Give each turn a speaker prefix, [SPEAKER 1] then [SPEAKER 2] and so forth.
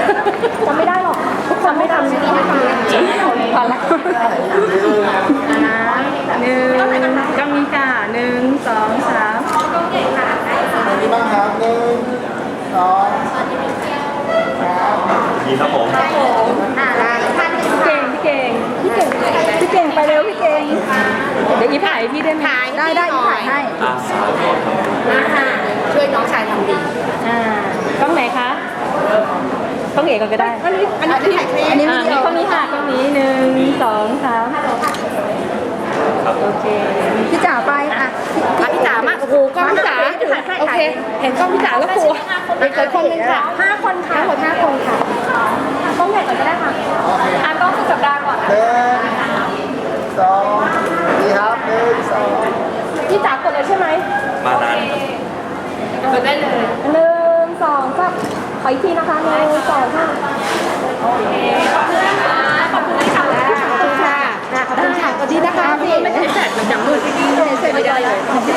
[SPEAKER 1] จำไม่ได้หรอกทุกคนไม่ทำไม่ได้พอละนะหนึ่งก็มีค่ะหนึ่งสองสาม
[SPEAKER 2] ตรงนี้บ้างครับหนึ่งสองครับ
[SPEAKER 3] ดีครับผม
[SPEAKER 1] พี่เก่งพี่เก่งไปเร็วพี่เก่งเดี๋ยวอีถ่ายพี่ได้ไหมได้อีถ่ายให้
[SPEAKER 3] สาวก่อนครับ
[SPEAKER 4] ช่วยน้องชายทำดี
[SPEAKER 1] กล้องไหนคะกล้องเอกก่อนก็ได้
[SPEAKER 4] อันนี้ถ่ายคลิป
[SPEAKER 1] อันนี้มีกล้องนี้ค่ะกล้องนี้หนึ่งสองสามโอเคพี่จ๋าไปอ่ะ
[SPEAKER 4] พี่จ๋ามาโอ้โหกล้องพี่จ๋าโอเคเห็นกล้องพี่จ๋าแล้วกลัวเด็กเกิดคนนึงค่ะ
[SPEAKER 1] 5 คนค่ะ
[SPEAKER 4] ทั้งหมด5 คนค่ะ
[SPEAKER 1] กล้องใหญ่ก่อนก็ได้ค่ะกล้องสุดสัปดาห์ก่อน
[SPEAKER 2] หนึ่งสองดีครับหนึ่งสอง
[SPEAKER 1] พี่จ๋ากดเลยใช่ไหม
[SPEAKER 3] มานานครับ
[SPEAKER 4] กดได้เลย
[SPEAKER 1] หนึ่งสองสามขออีกทีนะคะหนึ่งสองสามโอเคขอบคุณนะคะขอบคุณนะคะ
[SPEAKER 4] ขอบคุณค่ะขอบคุณค่ะสวัสดีนะคะพี่ไม่ใช่แฟดมันจับมือที่นี่เลยเสร็จไปได้เลย